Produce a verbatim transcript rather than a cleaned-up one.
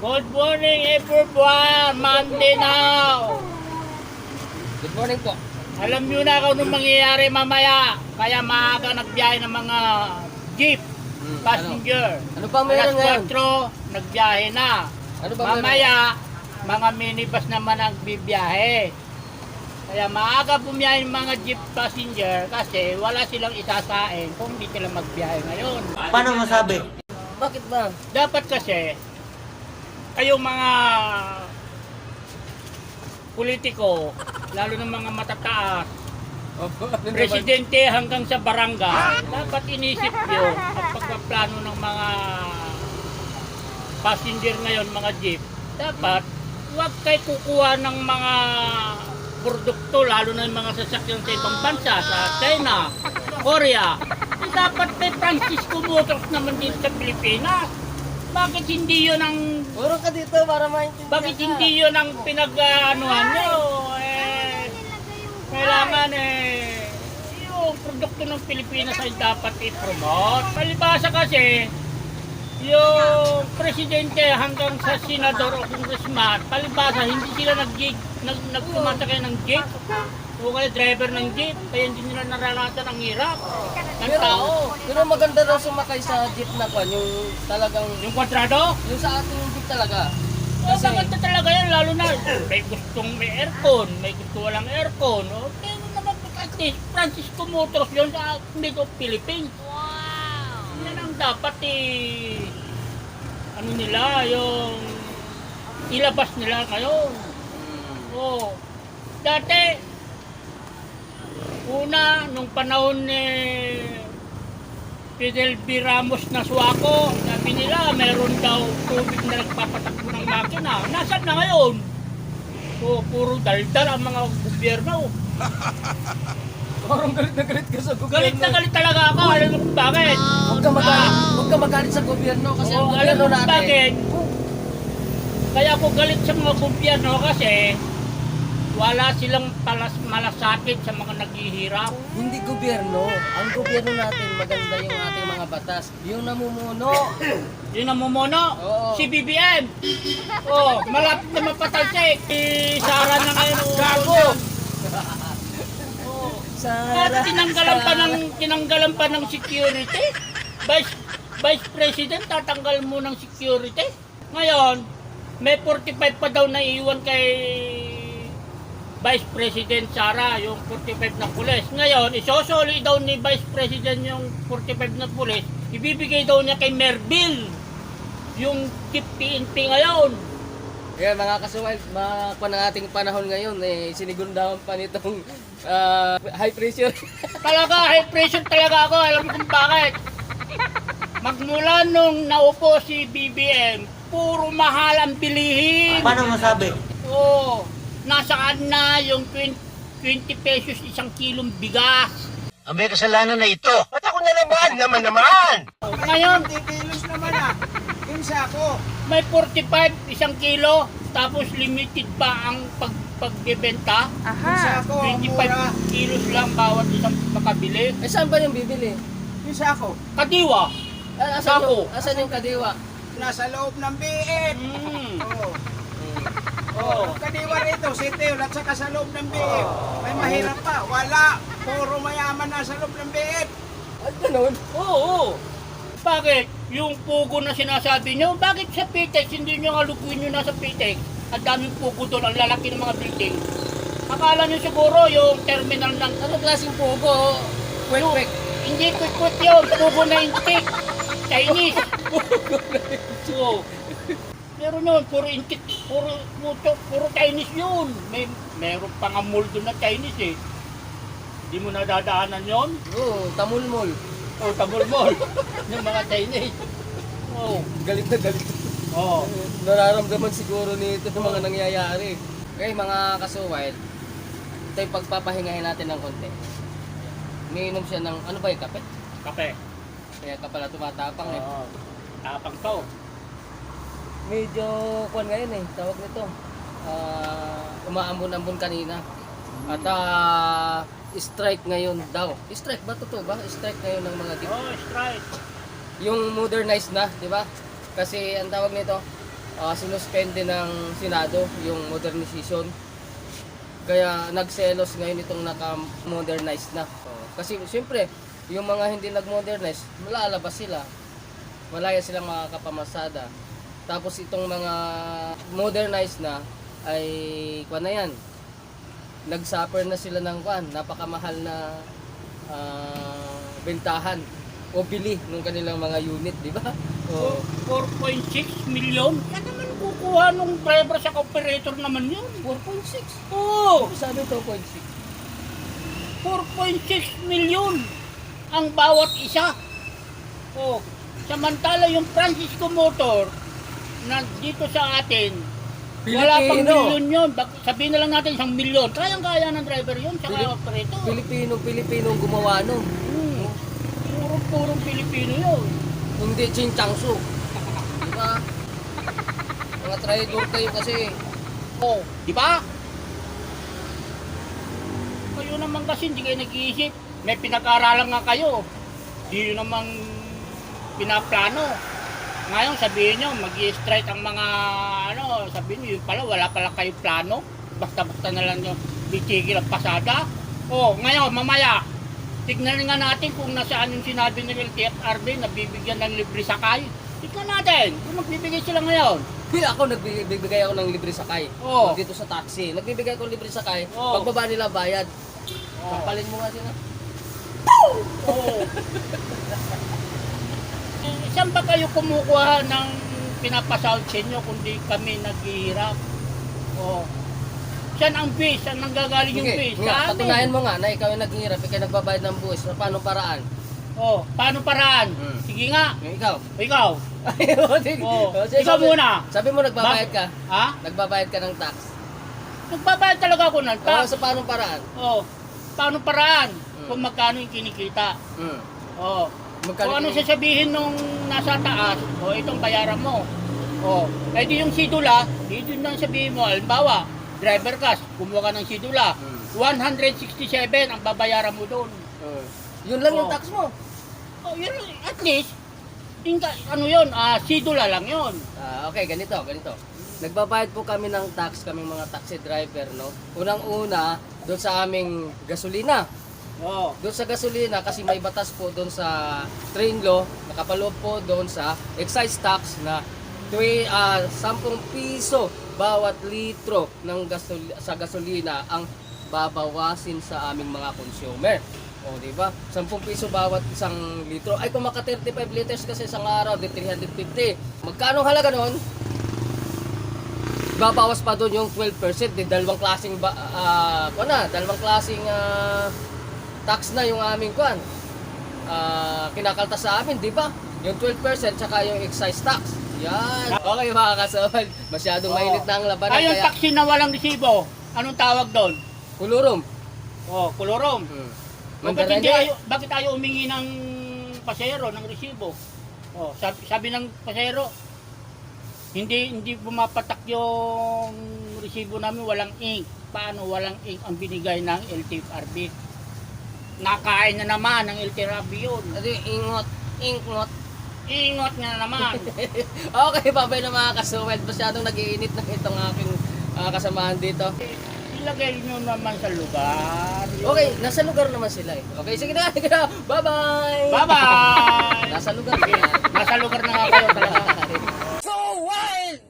Good morning everyone! Monday now! Good morning po. Alam nyo na kung anong mangyayari mamaya. Kaya maaga nagbiyahe ng mga jeep, Hmm, passenger. Ano, ano ba meron ngayon? alas kwatro, nagbiyahe na. Ano ba meron? Mamaya, mga minibus naman ang bibiyahe. Kaya maaga bumiyahe ng mga jeep passenger kasi wala silang isasain kung hindi sila magbiyahe ngayon. Paano masabi? Bakit ba? Dapat kasi, kayong mga politiko, lalo ng mga matataas, Opo, ano naman? presidente hanggang sa barangay, dapat inisip nyo ang pagpaplano ng mga passenger ngayon, mga jeep. Dapat, huwag kayo kukuha ng mga produkto, lalo na yung mga sasakyan sa ibang bansa, sa China, Korea. Eh, dapat may Francisco Motors naman dito sa Pilipinas. Bakit hindi yun ang Puro ka dito para maintindihan bakit ka. hindi yun ang pinag-anuhan nyo? Eh, kailangan eh, yung produkto ng Pilipinas ay dapat i-promote. Palibasa kasi, yung presidente hanggang sa senador o congressman, palibasa hindi sila nag-gig, nag, nagsumasakay ng jeep. O kaya driver ng jeep, kaya hindi nila naranasan ang hirap ng Pero, tao. pero maganda daw sumakay sa jeep na kwan, yung talagang, Yung kwadrado, yung sa ating jeep talaga. oh, Kasi, maganda talaga yan, lalo na may gustong may aircon, may gusto walang aircon. O, pero naman, at least, Francisco Motors yun sa mid of Philippines. Wow! Yan ang dapat eh, ano nila, yung ilabas nila ngayon. Oh, dati, una, nung panahon ni Fidel B. Ramos na suwako, sabi nila meron daw tubig na nagpapatakbo ng makina. Nasaan na ngayon? So, puro daldal ang mga gobyerno. parang galit na galit ka sa gobyerno. Galit na galit talaga ako. Alam mo kung bakit? Huwag ka magalit, huwag ka magalit sa gobyerno kasi ang Oo, alam gobyerno mo kung natin. bakit? Kaya ako galit sa mga gobyerno kasi wala silang palas malasakit sa mga naghihirap. Hindi gobyerno. Ang gobyerno natin, maganda yung ating mga batas. Yung namumuno. Yun ang mumuno, Oo. si B B M. Oh, malapit na mapatay siya eh. Si Sara na ngayon. oh, Gago! Oh. Sara, At tinanggalan pa ng tinanggalan pa ng security. Vice Vice President tatanggal mo ng security. Ngayon, may forty-five pa daw na iwan kay Vice President Sara, yung forty-five na pulis. Ngayon, isosoli daw ni Vice President yung forty-five na pulis. Ibibigay daw niya kay Merville yung Chief P N P ngayon. Kaya mga kasuwal, mga pa ng ating panahon ngayon, eh, sinigundahan pa nitong ah, high pressure. Talaga, high pressure talaga ako. Alam mo kung bakit. Magmula nung naupo si B B M, puro mahal ang bilihin. Paano masabi? Oo. Nasaan na yung twenty pesos isang kilong bigas. Ang may kasalanan na ito. Ba't ako na naman? Naman naman! Ngayon, kilos naman ah. Yun sa ako. may forty-five isang kilo, tapos limited pa ang pag pagbebenta. Yun sa ako. ang twenty-five mura. kilos lang bawat isang makabili. Eh, saan ba yung bibili? Yun sa ako. Kadiwa. Ah, asan, Sako. yung, asan yung kadiwa? Nasa loob ng B M. Mm. Oo. Oh. Ang kadiwa rito, siteo, at saka sa loob ng B M. May mahirap pa. Wala. Puro mayaman na sa loob ng B M. Ay, ganun. Oo. Bakit? Yung pugo na sinasabi nyo, bakit sa Pitex hindi nyo nga lukuin nyo na sa Pitex? Ang daming pugo doon, ang lalaki ng mga building. Akala nyo siguro yung terminal ng... Ano klaseng pugo? Kwek-kwek. Hindi quick-quick yun, pugo na intik. Chinese. Oo. Pero nun, puro intik, puro, puro, puro Chinese yun. May, meron pa nga mall doon na Chinese eh. Hindi mo nadadaanan yun? Oo, tamulmol. O tabol-mol. Yung mga Chinese. Oo. Galit na galit. Oo. Nararamdaman siguro nito ng mga nangyayari. Okay, mga kasuwal, ito yung pagpapahingahin natin ng konti. Umiinom siya ng, ano ba yung kape? Kape. Kaya ka pala tumatapang eh. Oo. Tapang to. Medyo, kuwan ngayon eh, tawag nito. Ah, umaambon-ambon kanina. At ah, strike ngayon daw. Strike ba? Totoo ba? Strike ngayon ng mga jeep. Oh, strike. Yung modernized na, di ba? Kasi ang tawag nito, uh, sinuspende ng Senado yung modernization. Kaya nagselos ngayon itong naka-modernize na. Oh, kasi siyempre, yung mga hindi nag-modernize, malalabas sila. Malaya silang makakapamasada. Tapos itong mga modernized na ay kuan na yan. Nag-suffer na sila ng kuan, napakamahal na ah, bentahan o bili ng kanilang mga unit, di ba? Oh, four point six million? Yan naman kukuha nung driver sa operator naman yun. four point six. Oo, Sabi two point six. four point six million ang bawat isa. Oh, samantala yung Francisco Motor na dito sa atin, wala pang Pilipino. milyon yun. Bak- Sabihin na lang natin isang milyon. Kayang-kaya ng driver yun sa Pilip- operator. Pilipino, Pilipino ang gumawa nun. Hmm. Puro-purong Pilipino yun. Hindi Chinchangsu. Di ba? Mga traidor kayo kasi. Oh, di ba? Kayo naman kasi hindi kayo nag-iisip. May pinag-aaralan nga kayo. Di yun namang pinaplano. Ngayon sabihin nyo, mag-i-strike ang mga ano, sabihin nyo, yun pala, wala pala kayo plano. Basta-basta na lang nyo bitigil ang pasada. Oh, ngayon, mamaya, tignan nga natin kung nasaan yung sinabi ng L T F R B na bibigyan ng libre sakay. Tignan natin kung magbibigay sila ngayon. Hindi ako nagbibigay ako ng libre sakay. Oo. Dito sa taxi. Nagbibigay ako ng libre sakay. Oo. Pagbaba nila bayad. Oo. Pampalin mo nga sila. Oo. Eh, saan ba kayo kumukuha ng pinapasahod sa inyo kundi kami naghihirap? Oh. Saan ang base? Saan nanggagaling yung Sige, base? nga, Sa amin. patunayan mo nga na ikaw yung naghihirap, ikaw yung nagbabayad ng buwis. Paano paraan? Oh, paano paraan? Hmm. Sige nga. Yung ikaw. Ikaw. Ayaw, sige. Oh, O, sige, ikaw sabi- muna. Sabi mo nagbabayad ka. Ha? Nagbabayad ka ng tax. Nagbabayad talaga ako ng O, tax. sa paano paraan? Oh. Paano paraan? Hmm. Kung magkano yung kinikita. Hmm. Oh. Magkano Kung ano yung- sasabihin nung nasa taas, o itong bayaran mo. O, eh di yung sidula, di doon lang sabihin mo, halimbawa, driver cash, kumuha ka ng sidula, Hmm. one hundred sixty-seven ang babayaran mo doon. Hmm. Yun lang yung Oh. tax mo. O, yun, at least, inka, ano yun, ah, sidula lang yun. Ah, okay, ganito, ganito. Nagbabayad po kami ng tax, kaming mga taxi driver, no? Unang-una, doon sa aming gasolina. O, Doon sa gasolina, kasi may batas po doon sa train law, nakapaloob po doon sa excise tax na twi, ah, ten piso bawat litro ng gasol- sa gasolina ang babawasin sa aming mga consumer. O, di ba? ten piso bawat isang litro. Ay, kung maka thirty-five liters kasi isang araw, di three hundred fifty. Magkano halaga noon? Babawas pa doon yung twelve percent. Di dalawang klaseng ba, ah, kuwan na, dalawang klaseng ah, tax na yung aming kuan. Ah, kinakaltas sa amin, di ba? Yung twelve percent tsaka yung excise tax. Yan. Okay mga kasawal, masyadong Oo. mainit na ang labanan ay yung kaya taxi na walang resibo, anong tawag doon? kulurum. O, kolorom. Hmm. O, bakit, hindi Mandaraya. ayo, bakit tayo umingi ng pasahero, ng resibo? O, sabi, sabi ng pasahero, hindi hindi pumapatak yung resibo namin, walang ink. Paano walang ink ang binigay ng L T F R B? Nakain na naman ng L T F R B yun. Ito yung ingot, ingot. Ingot nga naman. Okay, babay na mga kasawal. Masyadong nag-iinit na itong aking ah, kasamahan dito. Ilagay nyo naman sa lugar. Okay, nasa lugar naman sila eh. Okay, sige na, sige na. Bye-bye! Bye-bye! Nasa lugar na yan. Nasa lugar na nga kayo talaga. So wild!